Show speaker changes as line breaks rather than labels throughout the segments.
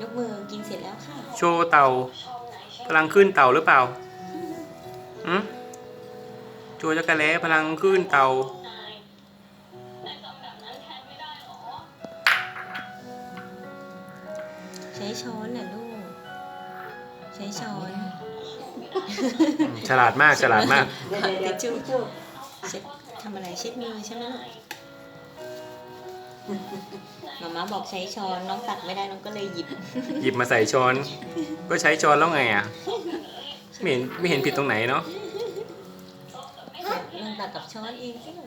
ยกมือกินเสร็จแล้วค่ะ
โชว์เต่า พลังขึ้นเต่าหรือเปล่าอืมโชว์จักรแล้พลังขึ้นเต่า
ใช้ช้อนน่ะลูก ใช้ช้อน
ฉลาดมากฉลาดมาก
ทิชชู่เช็ดทำอะไรเช็ดมือใช่ไหมลูกหมาม่าบอกใช้ช้อนน้องตักไม่ได้น้องก็เลยหยิบ
หยิบมาใส่ช้อน ก็ใช้ช้อนแล้วไงอ่ะไม่เห็นผิดตรงไหนเนาะ
ลองตักกับช้อนเองสิลูก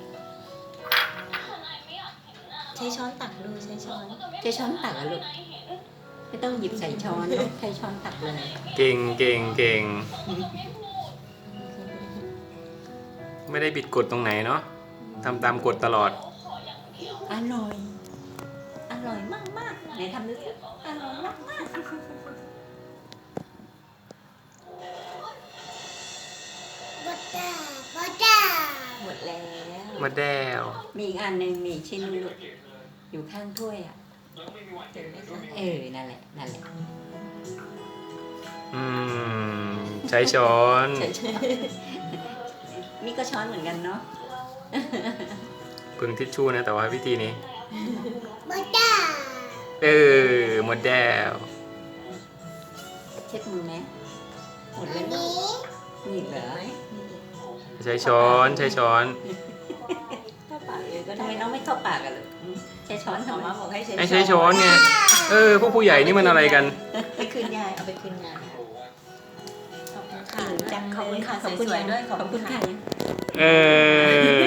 ใช้ช้อนตักดูใช้ช้อน
ใช้ช้อนตักอะลูกไม่ต้องหยิบใส่ช้อนลูกใช้ช้อนตักเลย
เก่งเก่งเก่งไม่ได้บิดกฎตรงไหนเนาะทำตามกฎตลอด
อร่อยอร่อยมากมากไหนทำดูสิอร่อยมากมาก
หมดแล้ว
มาแด้ว
มีอีกอันหนึ่งมีอีกชิ้นหนึ่งลูกอยู่ข้างถ้วยอ่ะ
เห็นไหมคะ
นั่นแหละนั่นแหละ
อืมใช้ช้อน
นี่ก็ช้อนเหมือนกันเนาะ
พึงทิชชู่นะแต่ว่าวิธีนี้ หมดแด้ว
เช็ดมือไหมหมดแล้วลูกนี่เหรอ
ใช้ช้อนใช้ช้อน
เข้าปากเลยก็
ทำ
ได้
ไมน้องไม่เข้าปากกันลูกใช้ช้อน
ห
ทำ
มา
ไม
ม่าบอกให้ใช้
ให้ใช้ช้อนไงพวกผู้ใหญ่นี่มันอะไรกัน
ไปคืนยายเอาไปคืนยายขอบคุณค่ะ
จัง
ขอบคุณค่ะ
ขอบคุณ
สวยๆด้วย
ขอบคุณค่ะ
เออ